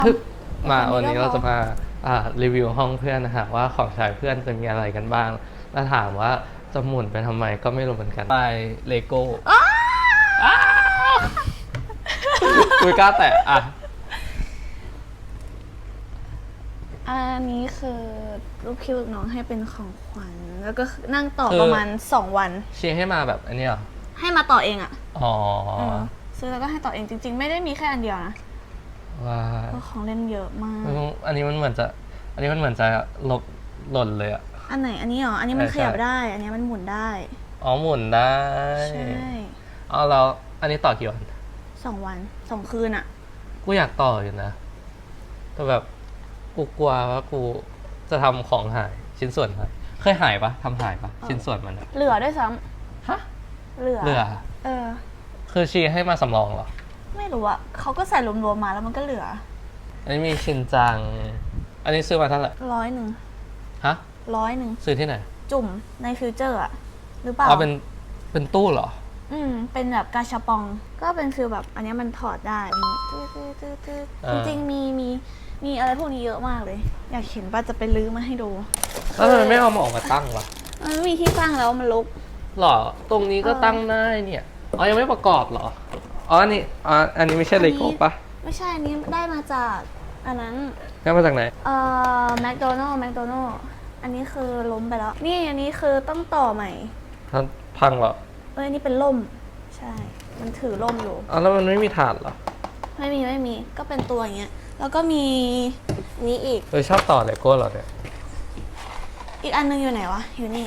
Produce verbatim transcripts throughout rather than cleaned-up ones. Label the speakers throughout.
Speaker 1: ทึบมาวันนี้เราจะมาอ่ารีวิวห้องเพื่อนนะฮะว่าของใช้เพื่อนจะมีอะไรกันบ้างแล้วถามว่าจะหมุนไปทำไมก็ไม่รู้เหมือนกันไปเลโก้คุยกล้าแตะอ่ะ
Speaker 2: อันนี้คือลูกพี่ลูกน้องให้เป็นของขวัญแล้วก็นั่งต่อประมาณสองวัน
Speaker 1: เชียร์ให้มาแบบอันนี้เหรอ
Speaker 2: ให้มาต่อเองอ่ะ
Speaker 1: อ๋อ
Speaker 2: ซื้อแล้วก็ให้ต่อเองจริงๆไม่ได้มีแค่อันเดียวนะ
Speaker 1: ว้า
Speaker 2: ของเล่นเยอะมาก
Speaker 1: อันนี้มันเหมือนจะอันนี้มันเหมือนจะหลบหล่นเลยอะ
Speaker 2: อันไหนอันนี้เหรออันนี้มันขยับได้อันนี้มันหมุนได้
Speaker 1: อ๋อหมุนได้
Speaker 2: ใช่
Speaker 1: อ๋อแล้วอันนี้ต่อกี่วัน
Speaker 2: สองวันสองคืนอะ
Speaker 1: กูอยากต่ออยู่นะแต่แบบกูกลัวว่ากูจะทำของหายชิ้นส่วนหายเคยหายปะทำหายปะชิ้นส่วนมัน
Speaker 2: เหลือด้วยซ้ำฮะเหลือ
Speaker 1: เหลือ
Speaker 2: เออ
Speaker 1: คือชีให้มาสำรองเหรอ
Speaker 2: ไม่รู้อะเขาก็ใส่รวมๆมาแล้วมันก็เหลือ
Speaker 1: อันนี้มีชินจังอันนี้ซื้อมาเท่าไหร่
Speaker 2: ร้อยหนึ่ง
Speaker 1: ฮะ
Speaker 2: ร้อยหนึ่ง
Speaker 1: ซื้อที่ไหน
Speaker 2: จุ่มในฟิวเจอร์อะหรือเปล่า
Speaker 1: อ๋อเป็นเป็นตู้เหรอ
Speaker 2: อืมเป็นแบบกาชาปองก็เป็นฟิลแบบอันนี้มันถอดได้จริงๆมีมีมีอะไรพวกนี้เยอะมากเลยอยากเห็นป่ะจะไปลื้อมาให้ดู
Speaker 1: แล้วทำไมไม่เอามาออกมาตั้งวะ
Speaker 2: มันไม่มีที่ตั้งแล้วมันรก
Speaker 1: หรอตรงนี้ก็ตั้งได้เนี่ยอ๋อยังไม่ประกอบเหรออ๋ออันนี้อ๋ออันนี้ไม่ใช่เลโก้ปะ
Speaker 2: ไม่ใช่อันนี้ได้มาจากอันนั้น
Speaker 1: ได้มาจากไหน
Speaker 2: เอ่อแมคโดนัลล์แมคโดนัลล์อันนี้คือล้มไปแล้วนี่อันนี้คือต้องต่อใหม่
Speaker 1: ท่านพังเหรอ
Speaker 2: เอ้ยอันนี้เป็นล่มใช่มันถือล่มอยู่
Speaker 1: อ๋อแล้วมันไม่มีถาดเหรอ
Speaker 2: ไม่มีไม่มีก็เป็นตัวอย่างเงี้ยแล้วก็มีนี้อีก
Speaker 1: เออชอบต่อเลโก้เหรอเนี่ย
Speaker 2: อีกอันนึงอยู่ไหนวะอยู่นี่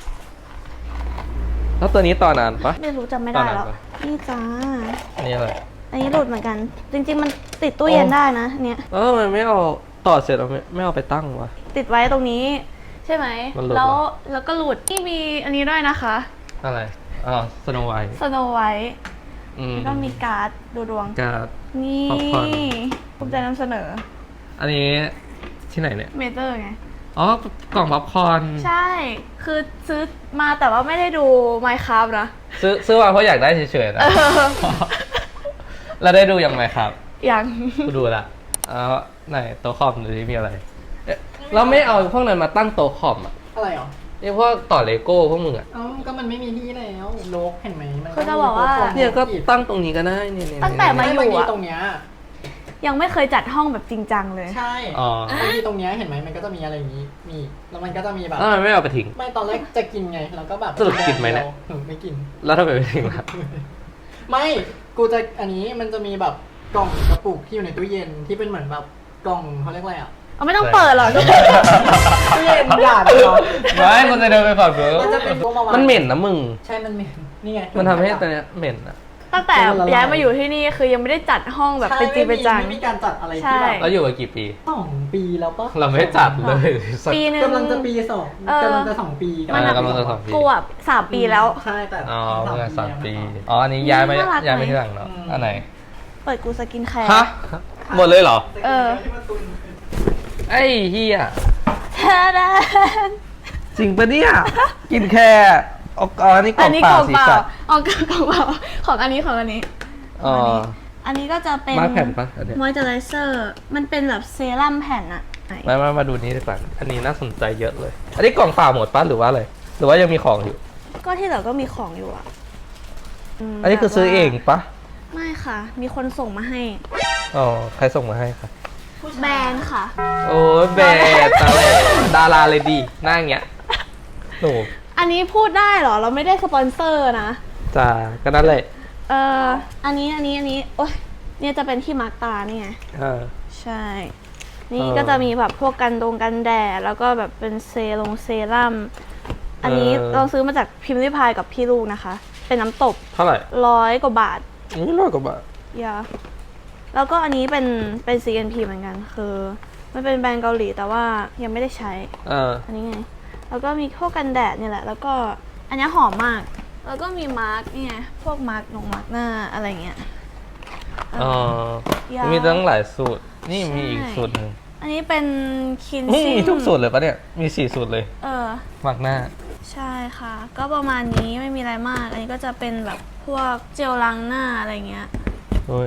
Speaker 1: แล้วตัวนี้ต่อนานปะ
Speaker 2: ไม่รู้จำไม่ได้แล้วนี่จ้า
Speaker 1: อันนี้อะไร
Speaker 2: อันนี้หลุดเหมือนกันจริงๆมันติดตู้เย็นได้นะเนี่ย
Speaker 1: เออมันไม่เอาต่อเสร็จเราไม่ไม่เอาไปตั้งวะ
Speaker 2: ติดไว้ตรงนี้ใช่ไหมแล้วแล้วก็หลุดนี่มีอันนี้ด้วยนะคะ
Speaker 1: อะไรอ๋อสโนไวท์
Speaker 2: สโนไวท์ก็มีการ์ดดูดวง
Speaker 1: การ์ด
Speaker 2: นี่ภูมิใจนำเสนอ
Speaker 1: อันนี้ที่ไหนเนี่ย
Speaker 2: เมเจอร์ไง
Speaker 1: อ๋อกล่องป๊อปคอร์น
Speaker 2: ใช่คือซื้อมาแต่ว่าไม่ได้ดู Minecraft นะ
Speaker 1: ซื้อซื้อมาเพราะอยากได้เฉยๆนะแล้วได้ดูยังไงครับ
Speaker 2: ยัง
Speaker 1: กูดูละเอาไหนโต๊ะคอมดูที่มีอะไรเราไม่เอาพวกนั้นมาตั้งโต๊ะคอมอะ
Speaker 3: อะไรหรอ
Speaker 1: นี่พวกต่อเลโก้พวกมึงอะ
Speaker 3: อ๋อก็มันไม่มีที่แล้วโลกเห็นไหมมัน
Speaker 2: ก็จะบอกว่า
Speaker 1: เนี่ยก็ตั้งตรงนี้ก็ได้เนี่ย
Speaker 2: ตั้งแต่มาอยู่อะ
Speaker 3: ตรงเนี้ย
Speaker 2: ยังไม่เคยจัดห้องแบบจริงจังเลย
Speaker 3: ใช่อ๋อที่ตรงเนี้ยเห็นไหมมันก็จะมีอะไรอย่างนี้มีแล้วมันก็จะมีแบบ
Speaker 1: แล้วมันไม่เอาไปทิ้ง
Speaker 3: ไม่ตอนแรกจะกินไงแล้วก็แบบ
Speaker 1: สรุปกินไหมเนี่ย
Speaker 3: ไม่กิน
Speaker 1: แล้วทำไมไม่ทิ้งล่ะ
Speaker 3: ไม่กูจะอันนี้มันจะมีแบบกล่องกระปุกที่อยู่ในตู้เย็นที่เป็นเหมือนแบบกล่องเขาเรียกอะไรอ่ะ
Speaker 2: เอาไม่ต้องเปิดหรอก
Speaker 3: ตู้เย็นหยาดเหรอ
Speaker 1: ไม่มันจะเดินไปฝั่งเือ
Speaker 3: มันจะเป็น
Speaker 1: มันเหม็นนะมึง
Speaker 3: ใช่มันเหม็นนี่ไง
Speaker 1: มันทำให้ตัวเนี้ยเหม็นอะ
Speaker 2: ตั้งแต่ย้ายมาอยู่ที่นี่คือยังไม่ได้จัดห้องแบบเป็นจริงเป็นจัง
Speaker 3: ไม่มีการจัดอะไรที่แบบ
Speaker 1: แล้วอยู่มากี่ปี
Speaker 3: สองปีแล้วปะ
Speaker 1: เราไม่จัดเลย
Speaker 2: ปีนึง
Speaker 3: กำลังจะปีสองกำลังจะสองปี
Speaker 1: กำลังจะสองปี
Speaker 2: กูอ่ะสามปีแล้ว
Speaker 3: ใช่แต่
Speaker 1: อ๋อเมื่อสามปีอ๋ออันนี้ย้ายมาย้ายมาที่หลังเนาะอันไหน
Speaker 2: เปิดกูสกินแคร์
Speaker 1: ฮะหมดเลยเหรอ
Speaker 2: เออ
Speaker 1: ไอ้เฮีย
Speaker 2: แท้แน่
Speaker 1: จริงปะเนี่ยกินแค่อ๋ออันนี้กล่องเปล่าสีสัน
Speaker 2: อ๋อกล่องเปล่าของอันนี้ของอันนี้
Speaker 1: อ๋อ
Speaker 2: อันนี้ก็จะเป็น
Speaker 1: มาแผ่นปะอันนี้
Speaker 2: มอยเจอไรเซอร์มันเป็นแบบเซรั่มแผ่นอะ
Speaker 1: มามามาดูนี้ดีกว่าอันนี้น่าสนใจเยอะเลยอันนี้กล่องเปล่าหมดปะหรือว่าอะไรหรือว่ายังมีของอยู่
Speaker 2: ก็ที่เหลือก็มีของอยู่อะ
Speaker 1: อันนี้คือซื้อเองปะ
Speaker 2: ไม่ค่ะมีคนส่งมาให้
Speaker 1: อ๋อใครส่งมาให้คะ
Speaker 2: แบรนด์ค่ะ
Speaker 1: โอ้แบรนด์ดาราเลยดีหน้าอย่างเงี้ยหนู
Speaker 2: อันนี้พูดได้เหรอเราไม่ได้สปอนเซอร์นะ
Speaker 1: จ้าก็นั่นแหละ
Speaker 2: เอออันนี้อันนี้อันนี้โอ๊ยเนี่ยจะเป็นที่มาร์กตานี่ไง
Speaker 1: เออ
Speaker 2: ใช่นี่ก็จะมีแบบพวกกันตรงกันแดดแล้วก็แบบเป็นเซรั่มเซรั่มอันนี้เราซื้อมาจากพิมพ์ริพายกับพี่ลูกนะคะเป็นน้ำตบ
Speaker 1: เท่าไหร่
Speaker 2: ร้อยกว่าบาท
Speaker 1: นี่ร้อยกว่าบาท
Speaker 2: ยาแล้วก็อันนี้เป็นเป็น ซี เอ็น พี เหมือนกันคือมันเป็นแบรนด์เกาหลีแต่ว่ายังไม่ได้ใช้
Speaker 1: เออ
Speaker 2: อันนี้ไงแล้วก็มีพวกกันแดดเนี่ยแหละแล้วก็อันนี้หอมมากแล้วก็มีมาร์กนี่ไงพวกมาร์กลงมาร์กหน้าอะไรเงี้ย
Speaker 1: อ๋อมีตั้งหลายสูตรนี่มีอีกสูตรหนึ่ง
Speaker 2: อันนี้เป็นคิน
Speaker 1: ซิ่งมีทุกสูตรเลยปะเนี่ยมีสี่สูตรเลย
Speaker 2: เออ
Speaker 1: มาร์กหน้า
Speaker 2: ใช่ค่ะก็ประมาณนี้ไม่มีอะไรมากอันนี้ก็จะเป็นแบบพวกเจลล้างหน้าอะไรเงี้ย
Speaker 1: โอ้ย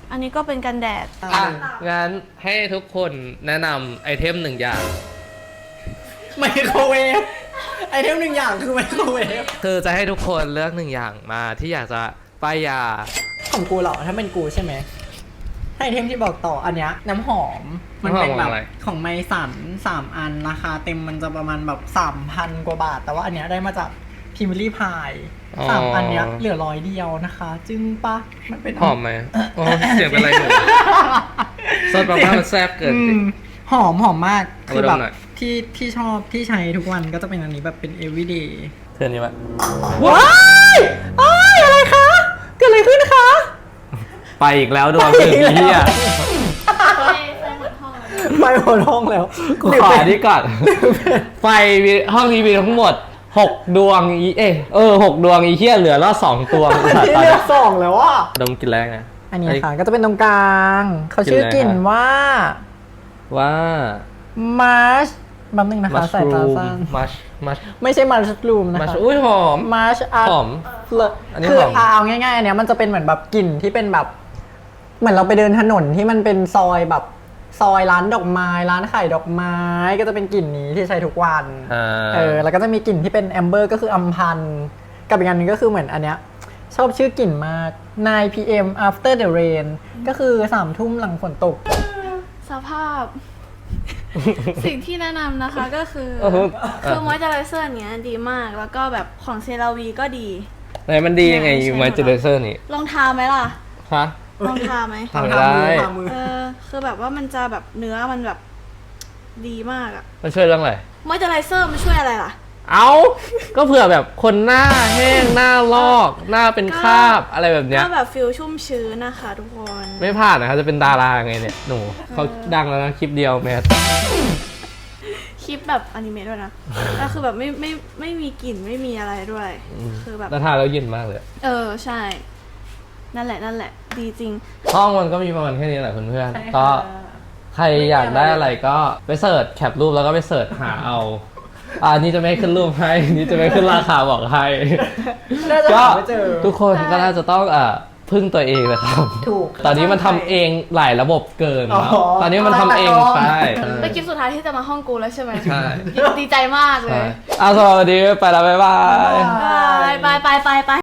Speaker 2: อันนี้ก็เป็นกันแดด
Speaker 1: อ่ะงั้นให้ทุกคนแนะนำไอเทมหนึ่งอย่าง
Speaker 3: ไมโครเวฟไอเทมหนึ่งอย่างคือไมโครเวฟ
Speaker 1: คือจะให้ทุกคนเลือกหนึ่งอย่างมาที่อยากจะป้ายยา
Speaker 3: ของกูเหรอถ้าเป็นกูใช่ไหมไอเทมที่บอกต่ออันเนี้ยน้ำหอมมันเป็นแบบของไมสันสามอันราคาเต็มมันจะประมาณแบบสามพันกว่าบาท แต่ว่าอันเนี้ยได้มาจากพิมลี่พายสามอันเนี้ยเหลือร้อยเดียวนะคะ จึงปะมันเป็น
Speaker 1: หอมไหมโอ้เสียงเป็นไรหนูซดมาม่ามันแซ่บเกิน
Speaker 3: อืมหอมหอมมาก
Speaker 1: เอา
Speaker 3: คือ
Speaker 1: ไป
Speaker 3: แบ
Speaker 1: ด
Speaker 3: บ
Speaker 1: มหน่อย
Speaker 3: ที่ที่ชอบที่ใช้ทุกวันก็จะเป็นอันนี้แบบเป็น everyday
Speaker 1: เพื่อนนี้ปะ
Speaker 3: ว้ายอ้ายอะไรคะ เกิดอะไรขึ้นคะ
Speaker 1: ไปอีกแล้วดวงหนึ่งเฮีย
Speaker 3: ไปหมดห้องแล้ว
Speaker 1: กูขออันนี้ก่อน ไฟมีห้องนี้มีทั้งหมดหกดวงอีเอยเออหกดวงอีเฮียเหลือแล้วสองตัว
Speaker 3: อันนี้เลือกสองแล้วอ่ะ
Speaker 1: ดมกลินแรกนะ
Speaker 3: อันนี้ค่ะก็จะเป็นตรงกลางเขาชื่อกลิ่นว่า
Speaker 1: ว่า
Speaker 3: มาร์ชแป๊บนึงนะคะ
Speaker 1: มัช
Speaker 3: สายตา
Speaker 1: รูม
Speaker 3: สั้น
Speaker 1: มัชมัช
Speaker 3: ไม่ใช่มาร์ชรูมนะ
Speaker 1: มัช
Speaker 3: คะ
Speaker 1: อุ้ยหอม
Speaker 3: มาร์ชอาร์
Speaker 1: หอม
Speaker 3: เล
Speaker 1: อันนี้
Speaker 3: คือ
Speaker 1: หอม
Speaker 3: เอาง่ายๆอันเนี้ยมันจะเป็นเหมือนแบบกลิ่นที่เป็นแบบ เหมือนเราไปเดินถนนที่มันเป็นซอยแบบซอยร้านดอกไม้ร้านขายดอกไม้ก็จะเป็นกลิ่นนี้ที่ใช้ทุกวัน
Speaker 1: อ่า
Speaker 3: เออแล้วก็จะมีกลิ่นที่เป็นแอมเบอร์ก็คืออัมพันธ์กับอีกอันหนึงก็คือเหมือนอันเนี้ยชอบชื่อกลิ่นมาก ไนน์ พี เอ็ม after the rain ก็คือสามทุ่มหลังฝนตก
Speaker 2: สภาพ สิ่งที่แนะนำนะคะก็คือ
Speaker 1: เออ
Speaker 2: คือมอยเจอไรเซอร์เนี้ยดีมากแล้วก็แบบของเซราวีก็ดี
Speaker 1: ไหนมันดียังไง
Speaker 2: ใช่
Speaker 1: มอยเจอร์เซอร์นี่
Speaker 2: ลองทาไหมล่ะ
Speaker 1: ฮะ
Speaker 2: ลองทาไหม
Speaker 1: ทำไม่ได้
Speaker 3: ทามือ
Speaker 2: เออคือแบบว่ามันจะแบบเนื้อมันแบบดีมากอะ
Speaker 1: มันช่วยเรื่องอะไร
Speaker 2: มอยเจอไรเซอร์มันช่วยอะไรล่ะ
Speaker 1: เอาก็เผื่อแบบคนหน้าแห้งหน้าลอก หน้าเป็นคราบอะไรแบบเนี้ย
Speaker 2: ก็แบบฟิลชุ่มชื้นนะคะทุกคน
Speaker 1: ไม่พลาดนะครับจะเป็นดาราไงเนี่ยหนูเขาดังแล้วนะคลิปเดียวแมส
Speaker 2: คลิปแบบอนิเมะด้วยนะแล้วคือแบบไม่ไม่ไม่มีกลิ่นไม่มีอะไรด้วย คือแบบ
Speaker 1: แล้วทานแล้วเย็นมากเลย
Speaker 2: เออใช่ นั่นแหละนั่นแหละ ดีจริง
Speaker 1: ห้องมันก็มีประมาณแค่นี้แหละเพื่อนๆก็ใครอยากได้อะไรก็ไปเสิร์ชแคปรูปแล้วก็ไปเสิร์ชหาเอาอ่านี่จะไม่ขึ้นรูปให้ นี่จะไม่ขึ้นราคาบอกให้
Speaker 3: น่าจะ
Speaker 1: ก็
Speaker 3: หาไม่เจอ
Speaker 1: ทุกคนก็น่าจะต้องอ่าพึ่งตัวเองนะครับ
Speaker 3: ถูก
Speaker 1: ตอนนี้มันทำเองหลายระบบเกิน
Speaker 3: อ๋อ
Speaker 1: ตอนนี้มันทำเอง
Speaker 3: ใช่
Speaker 1: ใช่
Speaker 2: เป็นคลิปสุดท้ายที่จะมาห้องกูแล้วใช่ไหม
Speaker 1: ใช่
Speaker 2: ดีดีใจมากเล
Speaker 1: ใช่
Speaker 2: ย
Speaker 1: อ่ะสวัสดีไปแล้วบ๊ายบาย
Speaker 2: บายบายบายบายบาย